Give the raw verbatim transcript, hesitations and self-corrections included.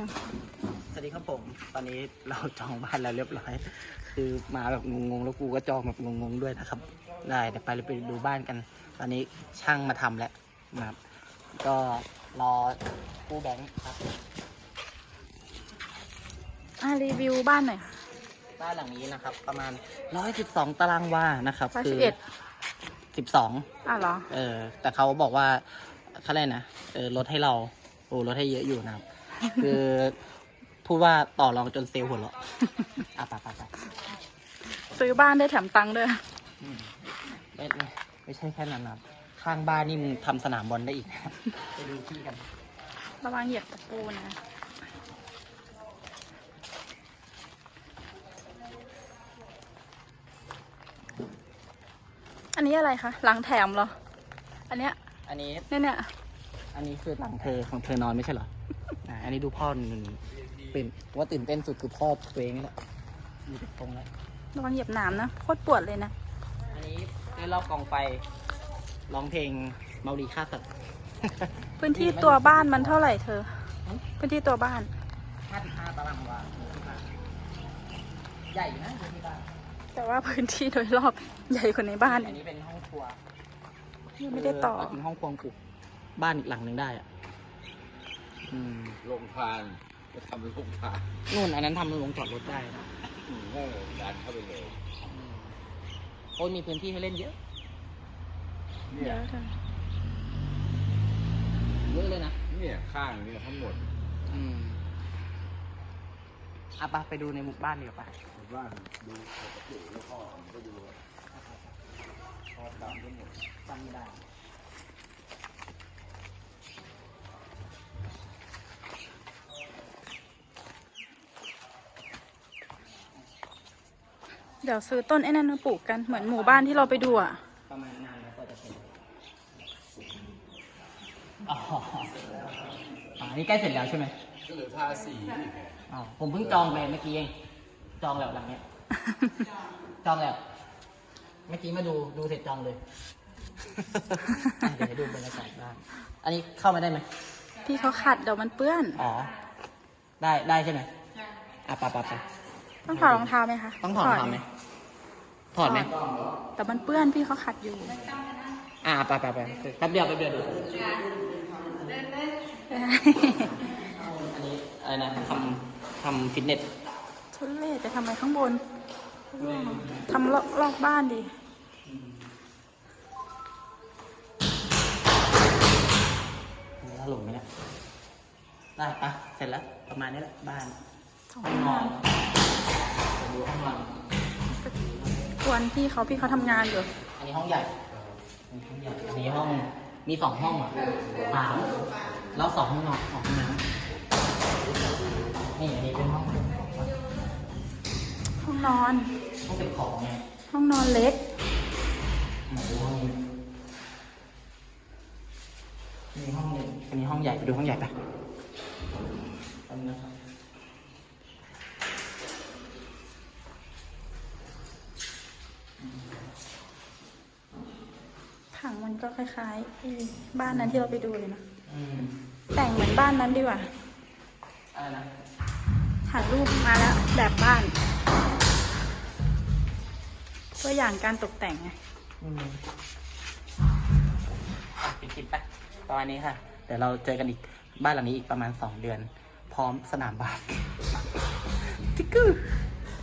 สวัสดีครับผมตอนนี้เราจองบ้านแล้วเรียบร้อยคือมาแบบงงๆแล้วกูก็จองแบบงงๆด้วยนะครับได้เดี๋ยวไปไปดูบ้านกัน ตอนนี้ช่างมาทำแล้วนะครับก็รอกู้แบงค์ครับอ่ะรีวิวบ้านหน่อยค่ะบ้านหลังนี้นะครับ ประมาณร้อยสิบสองตารางวานะครับร้อยคืสิบเอ็ดสิบสองอ่ะเหรอเออแต่เขาบอกว่าเขาเรียกนะเออลดให้เราโอ้ลดให้เยอะอยู่นะครับ คือพูดว่าต่อรองจนเซลล์หัวเราะ อ่ะไปไปไปซื้อบ้านได้แถมตังค์ด้วยอืมไม่ไม่ไม่ใช่แค่นั้นนะครับข้างบ้านนี่มึงทำสนามบอลได้อีกนะครับ ไปดูที่กันระวังเหยียบตะปูนะ อันนี้อะไรคะหลังแถมเหรอ อันเนี้ยอันนี้เนี่ยเนี่ยอันนี้คือหลังเธอของเธอนอนไม่ใช่เหรออ่ะอันนี้ดูพ่อหนึ่งเป็นว่าตื่นเต้นสุดคือพ่อตัวเองนี่แหละอยู่ตรงแล้วระวังเหยียบหนามนะโคตรปวดเลยนะอันนี้ได้รอบกองไฟร้องเพลงเมารีฆ่าสัตว์พื้นที่ตัวบ้านมันเท่าไหร่เธอ พื้นที่ตัวบ้านห้าสิบห้าตารางวาใหญ่นะพื้นที่บ้านแต่ว่าพื้นที่โดยรอบใหญ่กว่าในบ้านอันนี้เป็นห้องครัวยังไม่ได้ต่อเเป็นห้องครัวปลูกบ้านอีกหลังหนึ่งได้อ่ะอืมโรงทานจะทำเป็นโรงทานนู่นอันนั้นทำเป็นโรงจอดรถได้นะอืมก็ดันเข้าไปเลยอืมโอ้ยมีพื้นที่ให้เล่นเยอะเยเนี่ยอะเธอเยอะเลยนะเนี่ยข้างเนี่ยทั้งหมดอืมอ่ะไปไปดูในหมู่บ้านดีกว่าปะบ้านดูปกติแล้วพ่อมันก็ดูพ่อตามทั้งหมดจำไม่ได้เดี๋ยวซื้อต้นไอ้นั่นมาปลูกกันเหมือนหมู่บ้านที่เราไปดูอ่ะประมาณนานแล้วก็จะเป็นอ๋ออันนี้ใกล้เสร็จแล้วใช่ไหมก็เหลือทาสีอีกไงอ๋อผมเพิ่งจองไปเมื่อกี้เอง จองแล้วหลังเนี้ย จองแล้ว เมื่อกี้มาดูดูเสร็จจองเลย อ่ะเดี๋ยวให้ดูบรรยากาศบ้านอันนี้เข้ามาได้ไหมพี่เขาขัดเดี๋ยวมันเปื้อนอ๋อ ได้ได้ใช่ไหมอ่ะไปไปไปต้องถอดรองเท้าไหมคะต้องถอดรองเท้าไหมถอดไหมแต่มันเปื้อนพี่เขาขัดอยู่อ่ะไปไปไปแป๊บเดียวแป๊บเดียวดูอันนี้อะไรนะทำทำฟิตเนสทุเรศไปทำอะไรข้างบนทำลอกลอกบ้านดิถล่มไหมเนี่ยได้ปะเสร็จแล้วประมาณนี้แหละบ้านสองห้องนห้ออน งไปดูห้องนอนกวนพี่เขาพี่เขาทำงานอยู่อันนี้ห้องใหญ่อันนี้ห้องใหญ่อันนี้ห้องมีสองห้องอ่ะสามแล้วสองห้องนอนสองห้องน้ำนี่อันนี้เป็นห้องเก็บของปะห้องนอนห้องเก็บของไงห้องนอนเล็กไหนดูห้องนี้มีห้องหนึงอันนี้ห้องใหญ่ไปดูห้องใหญ่ปะอันนี้นะครับผังมันก็คล้ายๆไอ้บ้านนั้นที่เราไปดูเลยนะอืมแต่งเหมือนบ้านนั้นดีกว่าอะไรนะถ่ายรูปมาแล้วแบบบ้าน ตัวอย่างการตกแต่งไงอืมอ่ะปิดคลิปไปประมาณนี้ค่ะ เดี๋ยวเราเจอกันอีกบ้านหลังนี้อีกประมาณสองเดือน พร้อมสนามบาส ทิกเกอร์